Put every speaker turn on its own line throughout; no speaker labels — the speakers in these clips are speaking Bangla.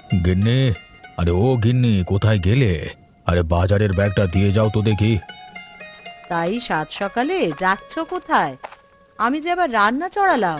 গিন্নি, আরে ও গিন্নি, কোথায় গেলে? আরে বাজারের ব্যাগটা দিয়ে যাও তো দেখি।
তাই সাত সকালে যাচ্ছ কোথায়? আমি যে আবার রান্না চড়ালাম।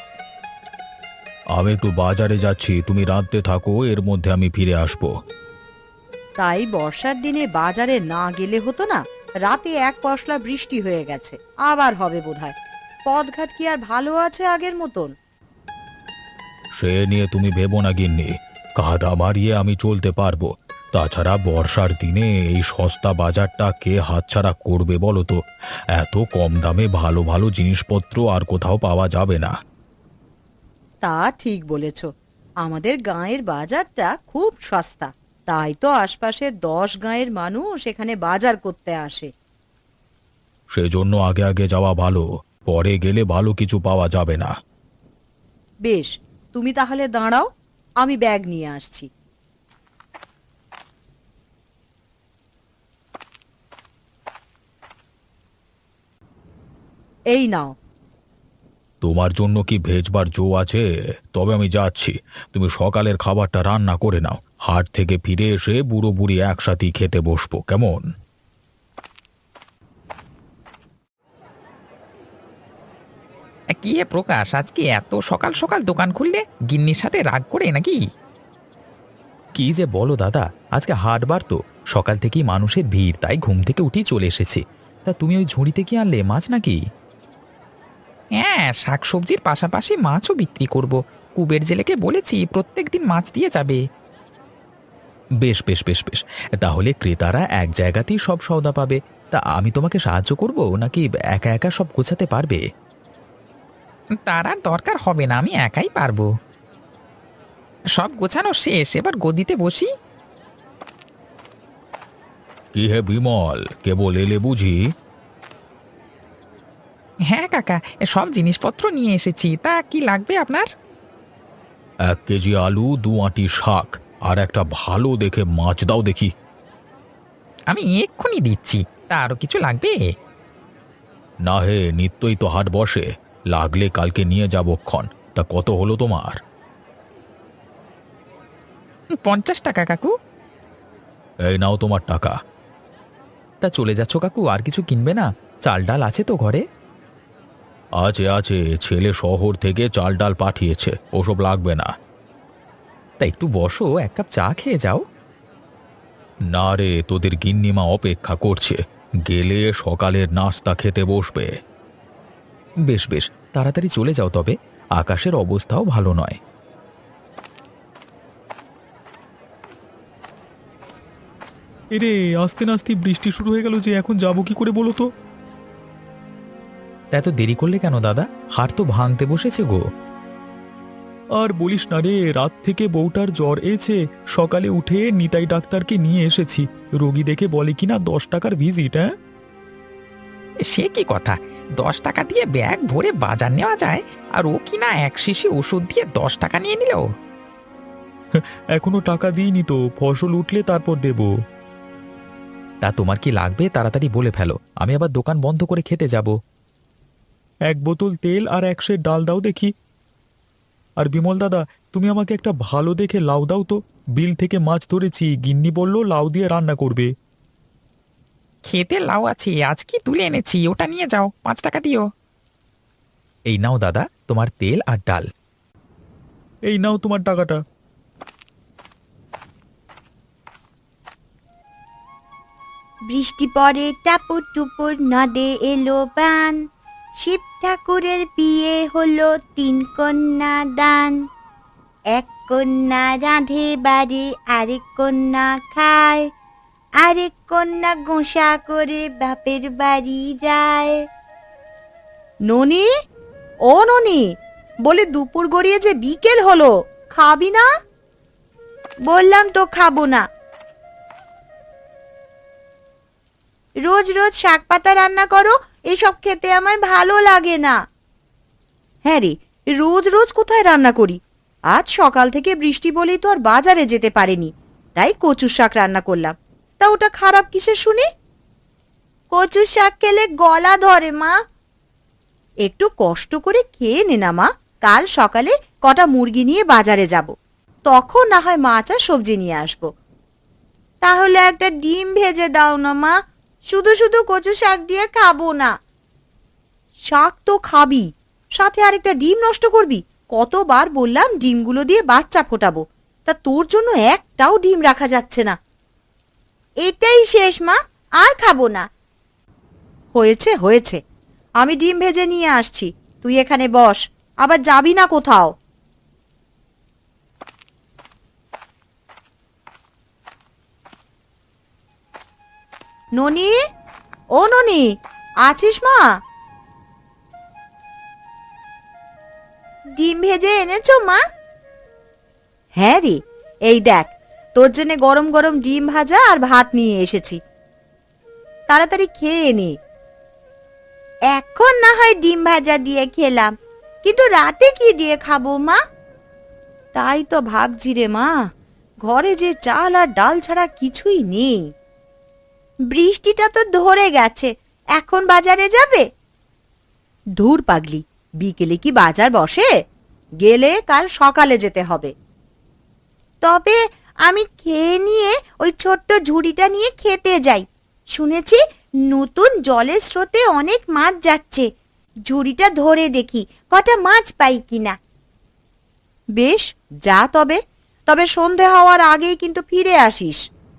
আমি একটু বাজারে যাচ্ছি, তুমি রাঁধতে থাকো, এর মধ্যে আমি ফিরে আসবো।
তাই বর্ষার দিনে বাজারে না গেলে হতো না? রাতে এক পশলা বৃষ্টি হয়ে গেছে, আবার হবে বোধহয়। পথঘাট কি আর ভালো আছে আগের মতন?
সে নিয়ে তুমি ভেবো না গিন্নি, কাদা মারিয়ে আমি চলতে পারবো। তাছাড়া বর্ষার দিনে এই সস্তা বাজারটা কে হাতছাড়া করবে বলো তো? এত কম দামে ভালো ভালো জিনিসপত্র আর কোথাও পাওয়া যাবে না।
তা ঠিক বলেছ। আমাদের গাঁয়ের বাজারটা খুব সস্তা, তাই তো আশপাশের 10 গাঁয়ের মানুষ এখানে বাজার করতে আসে।
সেজন্য আগে আগে যাওয়া ভালো, পরে গেলে ভালো কিছু পাওয়া যাবে না।
বেশ, তুমি তাহলে দাঁড়াও, আমি ব্যাগ নিয়ে আসছি। এই নাও।
তোমার জন্য কি ভেজবার জো আছে? তবে আমি যাচ্ছি, তুমি সকালের খাবারটা রান্না করে নাও। হাট থেকে ফিরে এসে বুড়ো বুড়ি একসাথেই খেতে বসবো, কেমন?
কি হে প্রকাশ, আজকে এত সকাল সকাল দোকান খুললে? গিন্নির সাথে রাগ করে নাকি?
কি যে বলো দাদা, আজকে হাটবার তো, সকাল থেকেই মানুষের ভিড়, তাই ঘুম থেকে উঠেই চলে এসেছি। তা তুমি ওই ঝুড়িতে কি আনলে, মাছ নাকি?
হ্যাঁ, শাকসবজির পাশাপাশি মাছও বিক্রি করব। কুবের জেলেকে বলেছি প্রত্যেক দিন মাছ দিয়ে যাবে।
বেশ বেশ বেশ বেশ, তাহলে ক্রেতারা এক জায়গাতেই সব সওদা পাবে। তা আমি তোমাকে সাহায্য করব নাকি একা একা সব গোছাতে পারবে?
তার আর দরকার হবে না, আমি একাই পারবো। সব গোছানো শেষ, এবার গদিতে বসি।
কি হে বিমল, কেবল এলে বুঝি?
হ্যাঁ কাকা, সব জিনিসপত্র নিয়ে এসেছি। তা কি লাগবে আপনার?
1 কেজি আলু, 2 আঁটি শাক, আর একটা ভালো দেখে মাছ দাও দেখি।
আমি এক্ষুনি দিচ্ছি। তা আরো কিছু লাগবে?
না হে, নিত্যই তো হাট বসে, লাগলে কালকে নিয়ে যাবো ক্ষণ। তা কত হলো তোমার?
50 টাকা কাকু।
এই নাও তোমার টাকা। তা চলে যাচ্ছ কাকু, আর কিছু কিনবে না? চাল ডাল আছে তো ঘরে? আছে আছে, ছেলে শহর থেকে চাল ডাল পাঠিয়েছে, ওসব লাগবে না। তা একটু বসো, 1 কাপ চা খেয়ে যাও। না রে, তোদের গিন্নিমা অপেক্ষা করছে, গেলে সকালের নাস্তা খেতে বসবে। বেশ বেশ, তাড়াতাড়ি চলে যাও তবে, আকাশের অবস্থাও ভালো নয়।
এরে, আস্তে নাস্তে বৃষ্টি শুরু হয়ে গেল যে, এখন যাবো কি করে বলো তো?
এত দেরি করলে কেন দাদা? হাট তো ভাঙতে বসেছে গো।
আর বলিস না রে, রাত থেকে বউটার জ্বর এসে সকালে উঠে নিতাই ডাক্তারকে নিয়ে এসেছি। রোগী দেখে বলে কিনা 10 টাকার ভিজিট। হ্যাঁ,
সে কি কথা! 10 টাকা দিয়ে ব্যাগ ভরে বাজার নেওয়া যায়, আর ও কিনা এক শিশি ওষুধ দিয়ে 10 টাকা নিয়ে নিল।
এখনো টাকা দিইনি তো, ফসল উঠলে তারপর দেব।
তা তোমার কি লাগবে তাড়াতাড়ি বলে ফেলো, আমি আবার দোকান বন্ধ করে খেতে যাব।
1 বোতল তেল আর 1 সের ডাল দাও দেখি। আর বিমল দাদা, তুমি আমাকে একটা ভালো দেখে লাউ দাও তো। বিল থেকে মাছ ধরেছি, গিন্নি বলল লাউ দিয়ে রান্না করবে।
খেতে লাউ আছে, আজ কি তুলে এনেছি, ওটা নিয়ে যাও, 5 টাকা দিও।
এই নাও দাদা, তোমার তেল আর ডাল।
এই নাও তোমার টাকাটা।
বৃষ্টি পড়ে টাপুর টুপুর, নদে এলো বান। শিব ঠাকুরের বিয়ে হলো 3 কন্যা দান। 1 কন্যা রাঁধে বাড়ি, আরেক কন্যা খায়, আরেক কন্যা গোসা করে বাপের বাড়ি যায়।
ননি, ও ননি, বলে দুপুর গড়িয়ে যে বিকেল হলো, খাবি না?
বললাম তো খাবো না। রোজ রোজ শাক পাতা রান্না করো, এসব খেতে আমার ভালো লাগে না।
হ্যাঁ রে, রোজ রোজ কোথায় রান্না করি? আজ সকাল থেকে বৃষ্টি বলেই তো আর বাজারে যেতে পারিনি, তাই কচুর শাক রান্না করলাম। তা ওটা খারাপ কিসের শুনি?
কচুর শাক খেলে গলা ধরে মা।
একটু কষ্ট করে খেয়ে নে না মা, কাল সকালে কটা মুরগি নিয়ে বাজারে যাব। তখন না হয় মাছ আর সবজি নিয়ে আসবো।
তাহলে একটা ডিম ভেজে দাও না মা, শুধু শুধু কচু শাক দিয়ে খাবো না।
শাক তো খাবি, সাথে আরেকটা ডিম নষ্ট করবি? কতবার বললাম ডিমগুলো দিয়ে বাচ্চা ফোটাবো, তা তোর জন্য একটাও ডিম রাখা যাচ্ছে না।
এটাই শেষ মা, আর খাবো না।
হয়েছে হয়েছে, আমি ডিম ভেজে নিয়ে আসছি, তুই এখানে বস, আবার যাবি না কোথাও। ননি, ও ননি, আছিস মা?
ডিম ভেজে এনেছো মা?
হ্যাঁ রে, এই দেখ তোর জন্য গরম গরম ডিম ভাজা আর ভাত নিয়ে এসেছি, তাড়াতাড়ি খেয়ে নে।
এখন না হয় ডিম ভাজা দিয়ে খেলাম, কিন্তু রাতে কি দিয়ে খাবো মা?
তাই তো ভাবছি রে মা, ঘরে যে চাল আর ডাল ছাড়া কিছুই নেই।
বৃষ্টিটা তো ধরে গেছে, এখন বাজারে যাবে?
ধুর পাগলি, বিকেলে কি বাজার বসে? গেলে কাল সকালে যেতে হবে।
তবে আমি খেয়ে নিয়ে ওই ছোট্ট ঝুড়িটা নিয়ে খেতে যাই। শুনেছি নতুন জলের স্রোতে অনেক মাছ যাচ্ছে, ঝুড়িটা ধরে দেখি কটা মাছ পাই কিনা।
বেশ, যা তবে, তবে সন্ধে হওয়ার আগেই কিন্তু ফিরে আসিস।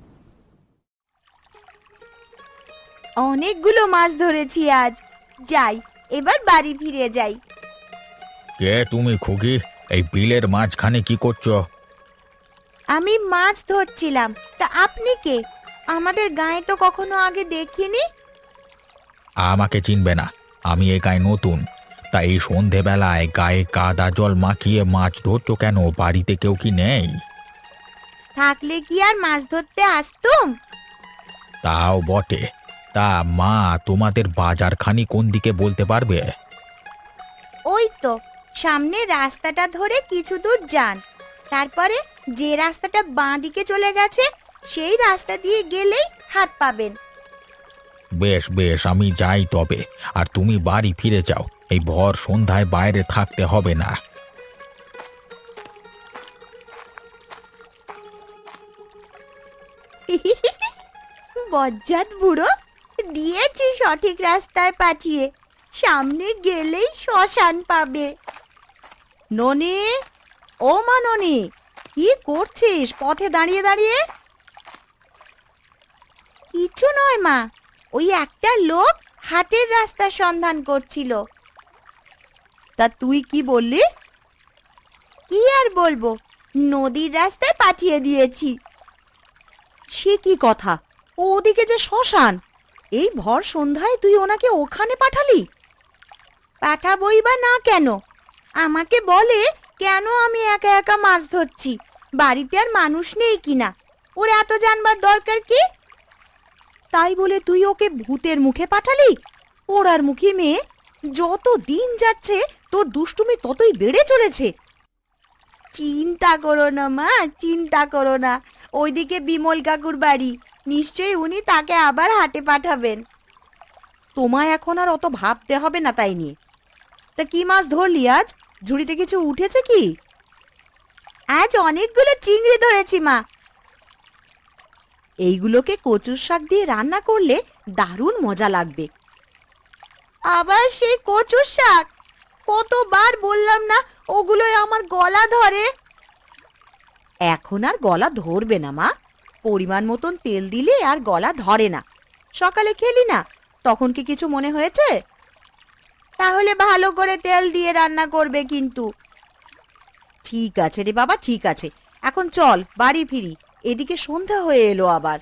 অনেকগুলো মাছ ধরেছি আজ, যাই, এবার বাড়ি ফিরে যাই।
কে তুমি খুকি? এই বিলের মাঝখানে কি করছো?
আমি মাছ ধরছিলাম, তা আপনি কে? আমাদের গায়ে তো কখনো আগে দেখিনি।
আমাকে চিনবে না, আমি এই গায়ে নতুন। তাই এই সন্ধেবেলায় গায়ে কাদা জল মাখিয়ে মাছ ধরছো কেন? বাড়িতে কেউ কি নেই?
থাকলে কি আর মাছ ধরতে আসতুম?
তাও বটে। তা মা, তোমাদের বাজারখানি কোন দিকে বলতে পারবে?
ওই তো সামনে রাস্তাটা ধরে কিছু দূর যান, তারপরে যে রাস্তাটা বাঁ দিকে চলে গেছে সেই রাস্তা দিয়ে গেলেই হাট পাবেন।
বেশ বেশ, আমি যাই তবে। আর তুমি বাড়ি ফিরে যাও, এই ভর সন্ধ্যায় বাইরে থাকতে হবে না।
বজ্জাত বুড়ো, দিয়েছি সঠিক রাস্তায় পাঠিয়ে, সামনে গেলেই শ্মশান পাবে।
ননি, ও মা ননি, কি করছিস পথে দাঁড়িয়ে দাঁড়িয়ে?
কিছু নয় মা, ওই একটা লোক হাটের রাস্তার সন্ধান করছিল।
তা তুই কি বললি?
কি আর বলবো, নদীর রাস্তায় পাঠিয়ে দিয়েছি।
সে কি কথা? ও ওদিকে যে শ্মশান, এই ভর সন্ধ্যায় তুই ওনাকে ওখানে পাঠালি?
পাঠাবই বা না কেন? আমাকে বলে কেন আমি একা একা মাছ ধরছি, বাড়িতে আর মানুষ নেই কিনা, ওর এত জানবার দরকার কি?
তাই বলে তুই ওকে ভূতের মুখে পাঠালি? ওড়ার মুখী মেয়ে, যত দিন যাচ্ছে তোর দুষ্টুমি ততই বেড়ে চলেছে।
চিন্তা করো না মা, চিন্তা করো না, ওইদিকে বিমল কাকুর বাড়ি, নিশ্চয়ই উনি তাকে আবার হাটে পাঠাবেন।
তোমায় এখন আর অত ভাবতে হবে না তাই নিয়ে। তা কি মাছ ধরলি আজ? ঝুড়িতে কিছু উঠেছে কি?
আজ অনেকগুলো চিংড়ি ধরেছি মা।
এইগুলোকে কচুর শাক দিয়ে রান্না করলে দারুণ মজা লাগবে।
আবার সেই কচুর শাক? কতবার বললাম না ওগুলোই আমার গলা ধরে।
এখন আর গলা ধরবে না মা, পরিমাণ মতন তেল দিলে আর গলা ধরে না। সকালে খেলি না, তখন কি কিছু মনে হয়েছে?
তাহলে ভালো করে তেল দিয়ে রান্না করবে কিন্তু।
ঠিক আছে রে বাবা, ঠিক আছে, এখন চল বাড়ি ফিরি, এদিকে সন্ধ্যা হয়ে এলো আবার।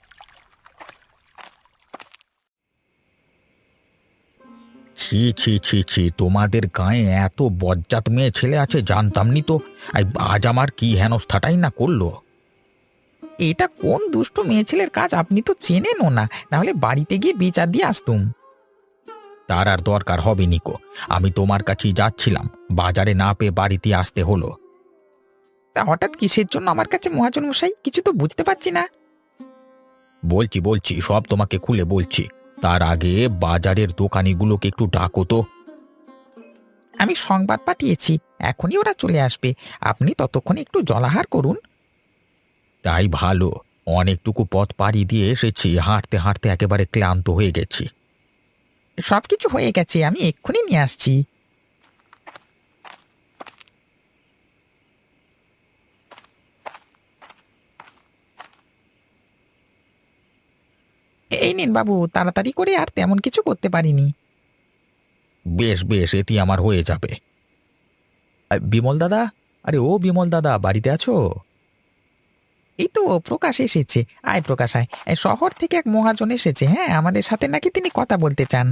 ছি ছি ছি ছি, তোমাদের গায়ে এত বজ্জাত মেয়ে ছেলে আছে জানতাম নি তো। আজ আমার কি হেনস্থাটাই না করলো।
এটা কোন দুষ্ট মেয়ে ছেলের কাজ আপনি তো চেনেনও না, নাহলে বাড়িতে গিয়ে বিচার দিয়ে আসতুম।
তার আর দরকার হবে নিকো, আমি তোমার কাছেই যাচ্ছিলাম, বাজারে না পেয়ে বাড়িতে আসতে হলো।
তা হঠাৎ কিসের জন্য আমার কাছে মহাজন মশাই, কিছু তো বুঝতে পারছি না।
বলছি বলছি, সব তোমাকে খুলে বলছি। তার আগে বাজারের দোকানিগুলোকে একটু ডাকো তো।
আমি সংবাদ পাঠিয়েছি, এখনই ওরা চলে আসবে। আপনি ততক্ষণে একটু জলাহার করুন।
তাই ভালো, অনেকটুকু পথ পাড়ি দিয়ে এসেছি, হাঁটতে হাঁটতে একেবারে ক্লান্ত হয়ে গেছি।
সবকিছু হয়ে গেছে, আমি এক্ষুনি নিয়ে আসছি। এই নিন বাবু, তাড়াতাড়ি করে, আর তেমন কিছু করতে পারিনি।
বেশ বেশ, এটি আমার হয়ে যাবে। বিমল দাদা, আরে ও বিমল দাদা, বাড়িতে আছো?
এই তো প্রকাশ এসেছে। আয় প্রকাশ আয়। এই শহর থেকে এক মহাজন এসেছে, হ্যাঁ, আমাদের সাথে নাকি তিনি কথা বলতে চান।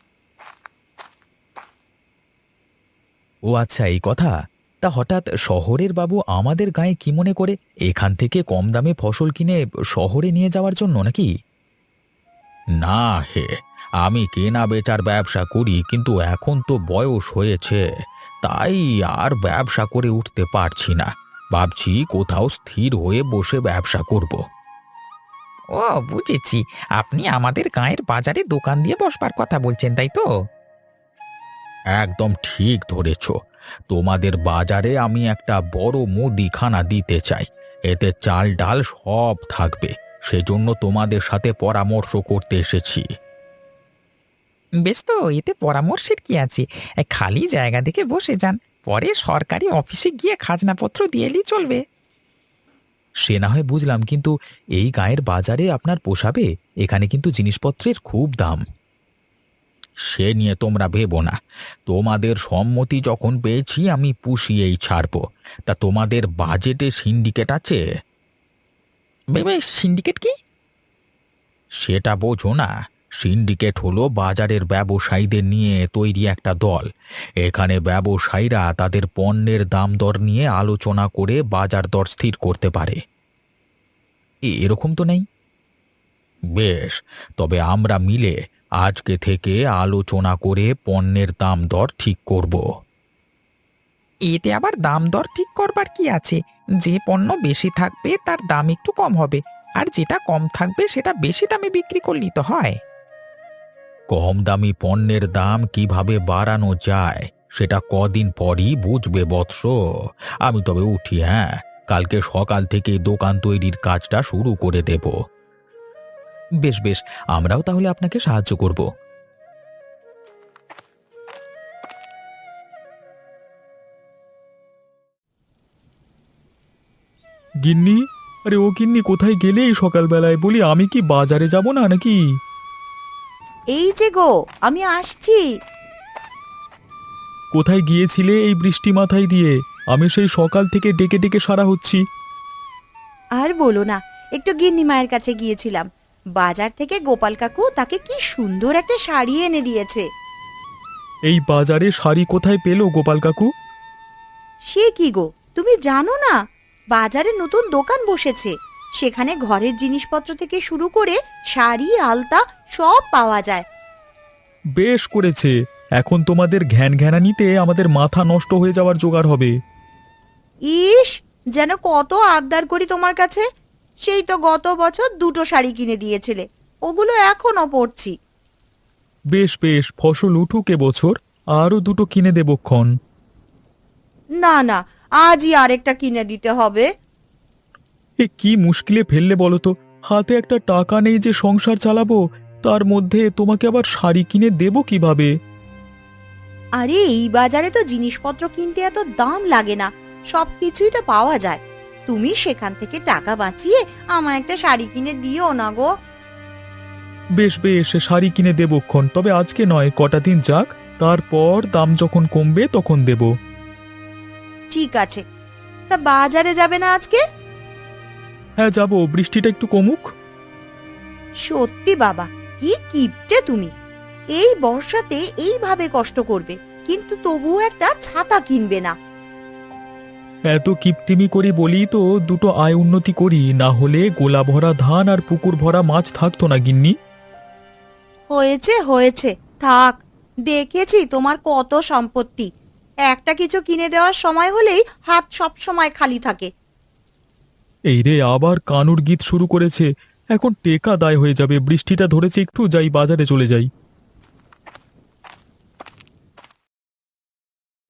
ও আচ্ছা, এই কথা। তা হঠাৎ শহরের বাবু আমাদের গায়ে কি মনে করে, এখান থেকে কম দামে ফসল কিনে শহরে নিয়ে যাওয়ার জন্য নাকি? না হে, আমি কেনা বেচার ব্যবসা করি, কিন্তু এখন তো বয়স হয়েছে, তাই আর ব্যবসা করে উঠতে পারছি না। ভাবছি কোথাও স্থির হয়ে বসে ব্যবসা করব।
ও বুঝেছি, আপনি আমাদের গায়ের বাজারে দোকান দিয়ে বসবার কথা বলছেন, তাই তো?
একদম ঠিক ধরেছ। তোমাদের বাজারে আমি একটা বড় মুদিখানা দিতে চাই, এতে চাল ডাল সব থাকবে। সেজন্য তোমাদের সাথে পরামর্শ করতে এসেছি।
বেশ, তো এতে পরামর্শের কি আছে? খালি জায়গা দেখে বসে যান, পরে সরকারি অফিসে গিয়ে খাজনাপত্র দিয়ে এলেই চলবে।
সে না হয় বুঝলাম, কিন্তু এই গায়ের বাজারে আপনার পোষাবে? এখানে কিন্তু জিনিসপত্রের খুব দাম। সে নিয়ে তোমরা ভেবো না, তোমাদের সম্মতি যখন পেয়েছি আমি পুষিয়েই ছাড়বো। তা তোমাদের বাজেটে সিন্ডিকেট আছে?
ভেবে সিন্ডিকেট কি?
সেটা বোঝো না? সিন্ডিকেট হলো বাজারের ব্যবসায়ীদের নিয়ে তৈরি একটা দল। এখানে ব্যবসায়ীরা তাদের পণ্যের দাম দর নিয়ে আলোচনা করে বাজার দর স্থির করতে পারে। এরকম তো নেই। বেশ, তবে আমরা মিলে আজকে থেকে আলোচনা করে পণ্যের দাম দর ঠিক করব।
এতে আবার দাম দর ঠিক করবার কি আছে? যে পণ্য বেশি থাকবে তার দাম একটু কম হবে, আর যেটা কম থাকবে সেটা বেশি দামে বিক্রি করলেই তো হয়।
কম দামি পণ্যের দাম কিভাবে বাড়ানো যায় সেটা কদিন পরই বুঝবে বৎস। আমি তবে উঠি, হ্যাঁ, কালকে সকাল থেকে দোকান তৈরির কাজটা শুরু করে দেব। বেশ বেশ, আমরাও তাহলে আপনাকে সাহায্য করব।
গিন্নি, আরে ও গিন্নি, কোথায় গেলে এই সকালবেলায়? বলি, আমি কি বাজারে যাব না নাকি?
এই যে গো, আমি আসছি।
কোথায় গিয়েছিলে এই বৃষ্টি মাথায় দিয়ে? আমি সেই সকাল থেকে ডেকে ডেকে সারা হচ্ছি।
আর বলো না, একটু গিন্নি মায়ের কাছে গিয়েছিলাম। বাজার থেকে গোপাল কাকু তাকে কি সুন্দর একটা শাড়ি এনে দিয়েছে।
এই বাজারে শাড়ি কোথায় পেলো গোপাল কাকু?
সে কি গো, তুমি জানো না? বাজারে নতুন দোকান বসেছে, সেখানে ঘরের জিনিসপত্র থেকে শুরু করে শাড়ি আলতা সব পাওয়া যায়।
বেশ করেছে, এখন তোমাদের ঘ্যান ঘ্যানানিতে আমাদের মাথা নষ্ট হয়ে যাওয়ার জোগাড় হবে।
ইস, যেন কত আবদার করি তোমার কাছে। সেই তো গত বছর 2টো শাড়ি কিনে দিয়েছিলে, ওগুলো এখনো পরছি।
বেশ বেশ, ফসল উঠুক এবছর, আরও 2টো কিনে দেবক্ষণ।
না না, আজই আরেকটা কিনে দিতে হবে।
এ কি মুশকিলে ফেললে বলো তো? হাতে একটা টাকা নেই যে সংসার চালাবো, তার মধ্যে তোমাকে আবার শাড়ি কিনে দেবো কিভাবে?
আরে এই বাজারে তো জিনিসপত্র কিনতে এত দাম লাগে না, সবকিছুই তো পাওয়া যায়। তুমি সেখান থেকে টাকা বাঁচিয়ে আমার একটা শাড়ি কিনে দিও না গো।
বেশ বেশ, শাড়ি কিনে দেবক্ষণ, তবে আজকে নয়, কটা দিন যাক, তারপর দাম যখন কমবে তখন দেব।
ঠিক আছে, তা বাজারে যাবে না আজকে?
হ্যাঁ যাব, বৃষ্টিটা একটু কমুক।
সত্যি বাবা, কি কিপটে তুমি! এই বর্ষাতে এইভাবে কষ্ট করবে, কিন্তু তবুও একটা ছাতা কিনবে না।
এত কিপটিমি করি বলি তো 2টো আয় উন্নতি করি, না হলে গোলা ভরা ধান আর পুকুর ভরা মাছ থাকতো না গিন্নি।
হয়েছে হয়েছে, থাক। দেখেছি তোমার কত সম্পত্তি, একটা কিছু কিনে দেওয়ার সময় হলেই হাত সব সময় খালি থাকে।
এই রে, আবার কানুর গীত শুরু করেছে। এখন টেকা দায় হয়ে যাবে। বৃষ্টিটা ধরেছে, একটু যাই, বাজারে চলে যাই।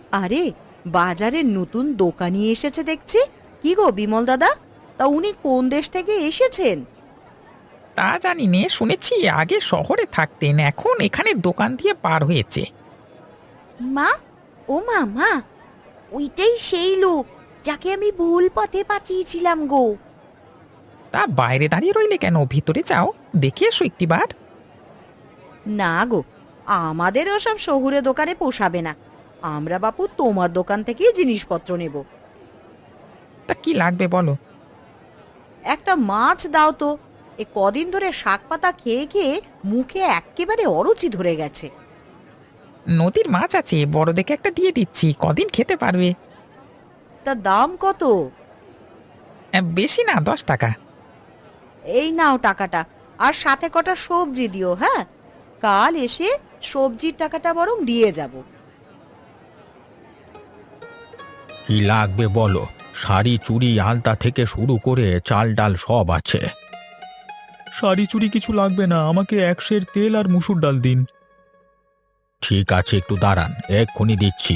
আরে, বাজারে নতুন দোকানি এসেছে দেখছি। কি গো বিমল দাদা, তা উনি কোন দেশ থেকে এসেছেন?
তা জানি নে, শুনেছি আগে শহরে থাকতেন, এখন এখানে দোকান দিয়ে পার হয়েছে।
মা, ও মা, মা, ওইটাই সেই লোক যাকে আমি ভুল পথে পাঠিয়েছিলাম গো।
তা বাইরে দাঁড়িয়ে রইলে কেন, ভিতরে যাও, দেখে এসো একটিবার।
না গো, আমাদের ওসব শহুরে দোকানে পোষাবে না। আমরা বাপু তোমার দোকান থেকেই জিনিসপত্র নেব।
তা কি লাগবে বলো?
একটা মাছ দাও তো। এ কদিন ধরে শাক পাতা খেয়ে খেয়ে মুখে এক্কেবারে অরুচি ধরে গেছে।
নদীর মাছ আছে, বড় দেখে একটা দিয়ে দিচ্ছি, কদিন খেতে পারবে।
তা দাম কত?
বেশি না, 10 টাকা।
এই নাও টাকাটা, আর সাথে কটা সবজি দিও। হ্যাঁ, কাল এসে সবজির টাকাটা বরং দিয়ে যাব।
কি লাগবে বলো? শাড়ি চুড়ি আলতা থেকে শুরু করে চাল ডাল সব আছে।
শাড়ি চুড়ি কিছু লাগবে না, আমাকে 1 সের তেল আর মুসুর ডাল দিন।
ঠিক আছে, একটু দাঁড়ান, এক্ষুনি দিচ্ছি।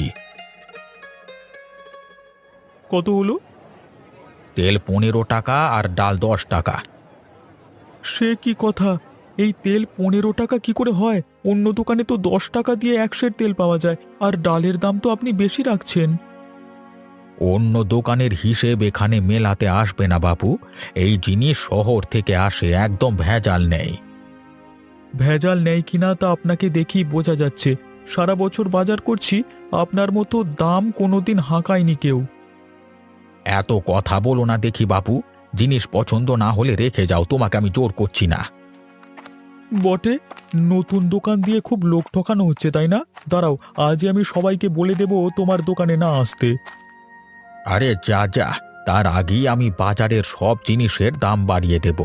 কত হলো?
তেল 15 টাকা আর ডাল 10 টাকা।
সে কি কথা, এই তেল 15 টাকা কি করে হয়? অন্য দোকানে তো 10 টাকা দিয়ে 1 সের তেল পাওয়া যায়, আর ডালের দাম তো আপনি বেশি রাখছেন।
অন্য দোকানের হিসেব এখানে মেলাতে আসবে না বাপু। এই জিনিস শহর থেকে আসে, একদম ভেজাল নেই।
ভেজাল নেই কিনা তা আপনাকে দেখেই বোঝা যাচ্ছে। সারা বছর বাজার করছি, আপনার মতো দাম কোনোদিন হাঁকায়নি কেউ।
এত কথা বলো না দেখি বাপু। জিনিস পছন্দ না হলে রেখে যাও, তোমাকে আমি জোর করছি না।
বটে, নতুন দোকান দিয়ে খুব লোক ঠকানো হচ্ছে, তাই না? দাঁড়াও, আজই আমি সবাইকে বলে দেব তোমার দোকানে না আসতে।
আরে যা যা, তার আগেই আমি বাজারের সব জিনিসের দাম বাড়িয়ে দেব।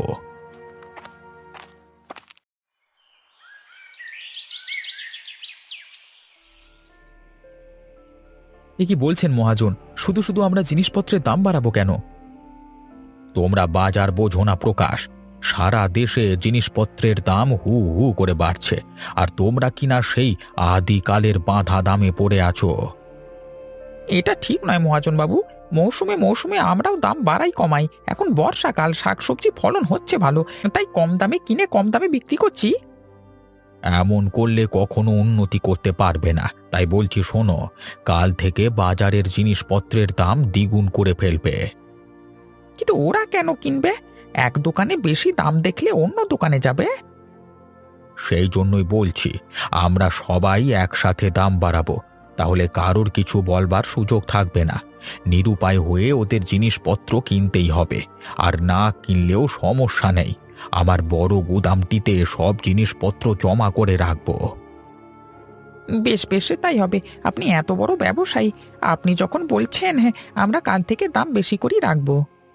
এ কি বলছেন মহাজন? শুধু শুধু আমরা জিনিসপত্রের দাম বাড়াবো কেন?
তোমরা বাজার বোঝো না প্রকাশ। সারা দেশে জিনিসপত্রের দাম হু হু করে বাড়ছে, আর তোমরা কিনা সেই আদিকালের বাঁধা দামে পড়ে আছো।
এটা ঠিক নয় মহাজন বাবু, মৌসুমে মৌসুমে আমরাও দাম বাড়াই কমাই। এখন বর্ষাকাল, শাকসবজি ফলন হচ্ছে ভালো, তাই কম দামে কিনে কম দামে বিক্রি করছি।
এমন করলে কখনো উন্নতি করতে পারবে না। তাই বলছি শোনো, কাল থেকে বাজারের জিনিসপত্রের দাম দ্বিগুণ করে ফেলবে।
কিন্তু ওরা কেন কিনবে? এক দোকানে বেশি দাম দেখলে অন্য দোকানে যাবে।
সেই জন্যই বলছি, আমরা সবাই একসাথে দাম বাড়াবো। তাহলে কারোর কিছু বলবার সুযোগ থাকবে না। নিরুপায় হয়ে ওদের জিনিসপত্র কিনতেই হবে। আর না কিনলেও সমস্যা নেই, আমার বড় গুদামটিতে সব জিনিসপত্র জমা করে রাখবো।
বেশ বেশ, তাই হবে। আপনি এত বড় ব্যবসায়ী, আপনি যখন বলছেন, হ্যাঁ, আমরা কাল থেকে দাম বেশি করেই রাখবো।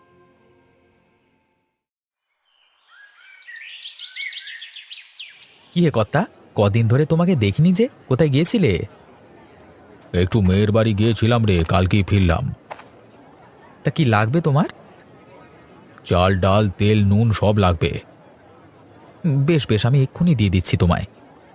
কি হে কর্তা, কদিন ধরে তোমাকে দেখিনি যে, কোথায় গিয়েছিলে? একটু মেয়ের বাড়ি গিয়েছিলাম রে, কালকেই ফিরলাম। তা কি লাগবে তোমার? চাল ডাল তেল নুন সব লাগবে। বেশ বেশ, আমি এক্ষুনি দিয়ে দিচ্ছি তোমায়।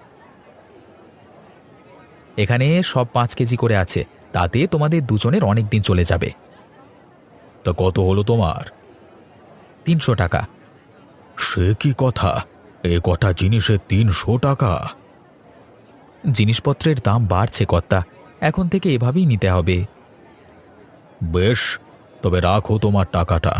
এখানে সব 5 কেজি করে আছে, তাতে তোমাদের দুজনের অনেক দিন চলে যাবে। তা কত হলো তোমার? 300 টাকা। সে কি কথা, এ কটা জিনিসে 300 টাকা? জিনিসপত্রের দাম বাড়ছে কর্তা, এখন থেকে এভাবেই নিতে হবে। বেশ, তবে রাখো তোমার টাকাটা।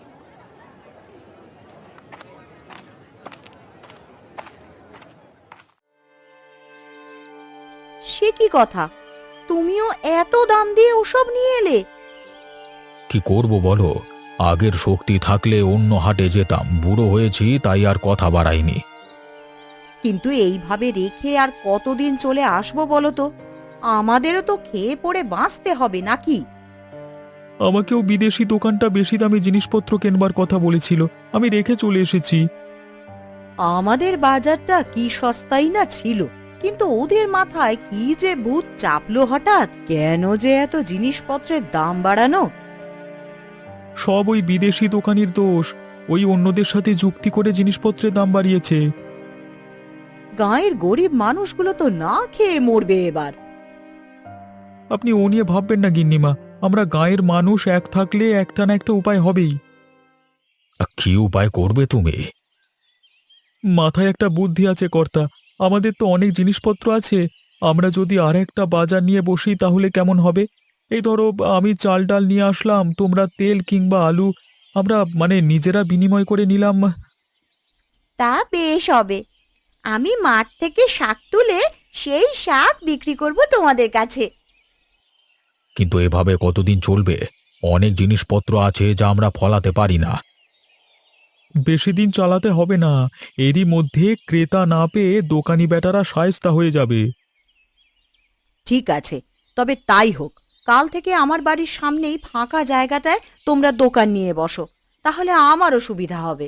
সে কি কথা, তুমিও এত দাম দিয়ে ওসব নিয়ে এলে?
কি করব বলো, আগের শক্তি থাকলে অন্য হাটে যেতাম। বুড়ো হয়েছি তাই আর কথা বাড়াইনি।
কিন্তু এইভাবে রেখে আর কতদিন চলে আসবো বলো তো? আমাদেরও তো খেয়ে পড়ে বাঁচতে হবে নাকি?
আমাকেও বিদেশি দোকানটা বেশি দামে জিনিসপত্র কেনবার কথা বলেছিল, আমি রেখে চলে এসেছি।
আমাদের বাজারটা কি সস্তাই না ছিল, কিন্তু ওদের মাথায় কি যে ভূত চাপলো হঠাৎ, কেন যে এত জিনিসপত্রের দাম বাড়ানো?
সব ওই বিদেশি দোকানির দোষ। ওই অন্যদের সাথে যুক্তি করে জিনিসপত্রের দাম বাড়িয়েছে।
গাঁয়ের গরিব মানুষগুলো তো না খেয়ে মরবে এবার।
আপনি ও নিয়ে ভাববেন না গিন্নিমা, আমরা গাঁয়ের মানুষ এক থাকলে একটা না একটা উপায় হবেই।
কি উপায় করবে তুমি?
মাথায় একটা বুদ্ধি আছে কর্তা, আমাদের তো অনেক জিনিসপত্র আছে, আমরা যদি আর একটা বাজার নিয়ে বসি তাহলে কেমন হবে? এই ধরো আমি চাল ডাল নিয়ে আসলাম, তোমরা তেল কিংবা আলু, আমরা মানে নিজেরা বিনিময় করে নিলাম।
তা বেশ হবে। আমি মাঠ থেকে শাক তুলে সেই শাক বিক্রি করব তোমাদের কাছে।
কিন্তু এভাবে কতদিন চলবে? অনেক জিনিসপত্র আছে যা আমরা ফলাতে পারি না।
বেশি দিন চালাতে হবে না, এরই মধ্যে ক্রেতা না পেয়ে দোকানি বেটারা শায়েস্তা হয়ে যাবে।
ঠিক আছে, তবে তাই হোক। কাল থেকে আমার বাড়ির সামনেই ফাঁকা জায়গাটায় তোমরা দোকান নিয়ে বসো, তাহলে আমারও সুবিধা হবে।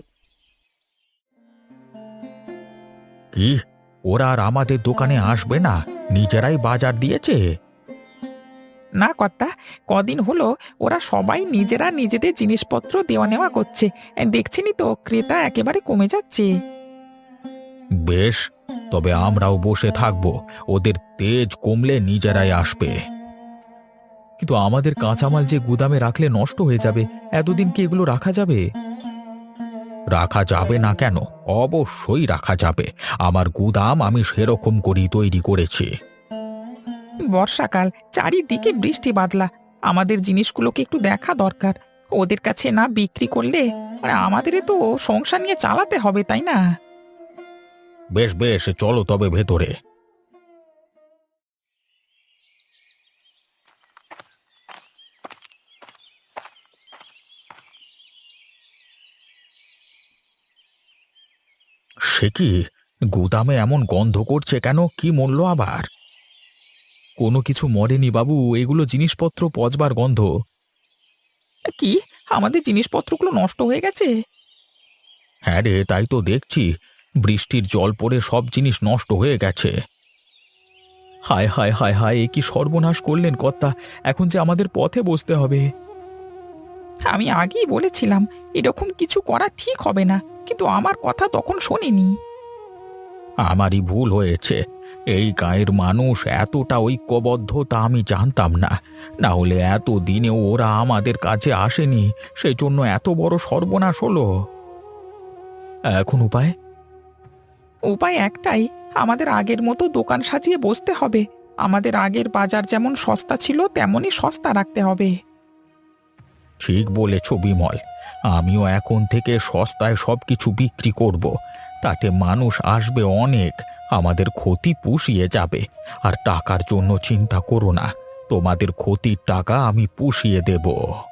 কি, ওরা আর আমাদের দোকানে আসবে না? নিজেরাই বাজার দিয়েছে।
না কর্তা, কদিন হলো ওরা সবাই নিজেরা নিজেদের জিনিসপত্র দেওয়া নেওয়া করছে। দেখছেনই তো ক্রেতা একেবারে কমে যাচ্ছে।
বেশ, তবে আমরাও বসে থাকবো, ওদের তেজ কমলে নিজেরাই আসবে।
কিন্তু আমাদের কাঁচামাল যে গুদামে রাখলে নষ্ট হয়ে যাবে, এতদিন কি এগুলো রাখা যাবে?
রাখা যাবে না কেন? অবশ্যই রাখা যাবে। আমার গুদাম আমি সেরকম করেই তৈরি করেছি।
বর্ষাকাল, চারিদিকে বৃষ্টি বাদলা, আমাদের জিনিসগুলোকে একটু দেখা দরকার। ওদের কাছে না বিক্রি করলে আমাদের তো সংসার নিয়ে চালাতে হবে, তাই না?
বেশ বেশ, চলো তবে ভেতরে। সে কি, গুদামে এমন গন্ধ করছে কেন? কি মূল্য আবার?
কোনো কিছু মরেনি বাবু, এগুলো জিনিসপত্র পচবার গন্ধ।
কি, আমাদের জিনিসপত্রগুলো নষ্ট হয়ে গেছে?
হ্যাঁ রে, তাই তো দেখছি। বৃষ্টির জল পড়ে সব জিনিস নষ্ট হয়ে গেছে।
হায় হায় হায় হায়, এ কি সর্বনাশ করলেন কর্তা! এখন যে আমাদের পথে বসতে হবে।
আমি আগেই বলেছিলাম এরকম কিছু করা ঠিক হবে না, কিন্তু আমার কথা তখন শোনেনি।
আমারই ভুল হয়েছে। এই গাঁয়ের মানুষ এতটা ঐক্যবদ্ধ তা আমি জানতাম না। না হলে এত দিনেও ওরা আমাদের কাছে আসেনি, সেই জন্য এত বড় সর্বনাশ হলো।
এখন উপায়?
উপায় একটাই, আমাদের আগের মতো দোকান সাজিয়ে বসতে হবে। আমাদের আগের বাজার যেমন সস্তা ছিল তেমনই সস্তা রাখতে হবে।
ঠিক বলেছ বিমল, আমিও এখন থেকে সস্তায় সবকিছু বিক্রি করব। তাতে মানুষ আসবে অনেক, আমাদের ক্ষতি পুষিয়ে যাবে। আর টাকার জন্য চিন্তা করো না, তোমাদের ক্ষতির টাকা আমি পুষিয়ে দেব।